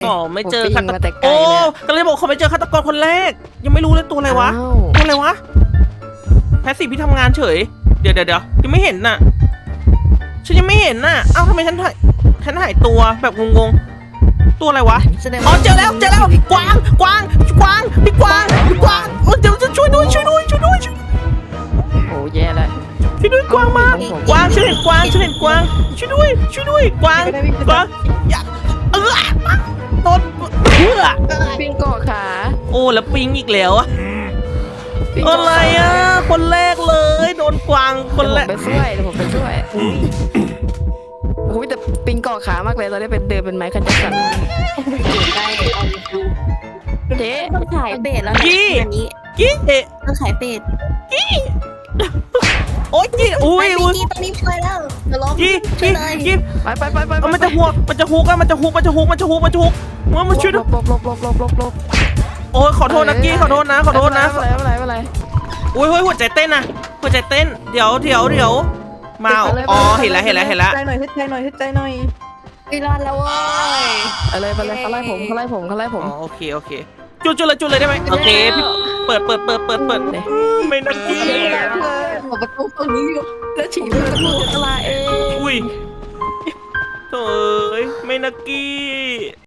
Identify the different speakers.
Speaker 1: อไม่เจอ
Speaker 2: ผม
Speaker 1: ฆา
Speaker 2: ปิ้ง
Speaker 1: ต
Speaker 2: มาแต่
Speaker 1: กร
Speaker 2: ไกล
Speaker 1: โอ้
Speaker 2: เลยอะ
Speaker 1: ก็เลยบอกเขาไม่เจอฆาตกรคนแรก ยังไม่รู้เลยตัวอะไรวะ
Speaker 2: อ้าว
Speaker 1: ตัวอะไรวะแพสซีฟพี่ทำงานเฉยเดี๋ยวยังไม่เห็นน่ะฉันยังไม่เห็นน่ะเอ้าทำไมฉันหายตัวแบบงงๆตัวอะไรวะ
Speaker 3: แสดง
Speaker 1: อ๋อ
Speaker 3: ว่า
Speaker 1: เจอแล้วกวางพี่กวางเออเดี๋ยวจะช่วยด้วย
Speaker 2: โอ้แย่แล้ว
Speaker 1: ช่วยด้วยกวางมากวางฉันเห็นกวางช่วยด้วยกวางอย่าโดน
Speaker 2: ปิ้งเกาะขา
Speaker 1: โอ้แล้วปิงอีกแล้วอะ
Speaker 2: ปิ้ง
Speaker 1: อะ
Speaker 2: เกาะ
Speaker 1: ไร
Speaker 2: ขา
Speaker 1: อะคนแรกเลยโดนกวางคนแรก
Speaker 2: เดี๋ยวผมไปช่วยโอ้ยแต่ปิ้งเกาะขามากเลยตอนนี้เป็นเดินเป็นไม้คันจักรสัน
Speaker 3: ได้เอาเลยค่ะ
Speaker 2: เจ๊
Speaker 3: ต้องขายเป็ดแล้วนะอันนี้
Speaker 1: กี้เอะ
Speaker 3: ต้องขายเป็ด
Speaker 1: โอ้ยกี้อุ้ย
Speaker 3: ตอนนี้ไปแล้วเดี๋ยวล้อม
Speaker 1: กี้
Speaker 3: เลย
Speaker 2: ไป
Speaker 1: เอามันจะฮุกมันจะฮุกมันช่วยด้วย
Speaker 2: ลบ
Speaker 1: โอ้ยขอโทษนะกี้ขอโทษนะ
Speaker 2: ไม่เป็นไร
Speaker 1: อุ้ยหัวใจเต้นนะหัวใจเต้นเดี๋ยวมาอ๋อเห็นแล้ว
Speaker 4: ใจหน่อยให้ใจหน่อย
Speaker 3: ไปรอดแล้วเว้ย
Speaker 2: อะไรไปเลยเขาไล่ผม
Speaker 1: อ๋อโอเคจุดเลยได้ไหมโอเคพี่เปิดไม่น่ากี้
Speaker 3: หัวประตูตรงนี้อยู่แล้วฉีด
Speaker 2: ตลาเอง
Speaker 1: อุ้ยโถ่ไม่น่ากี้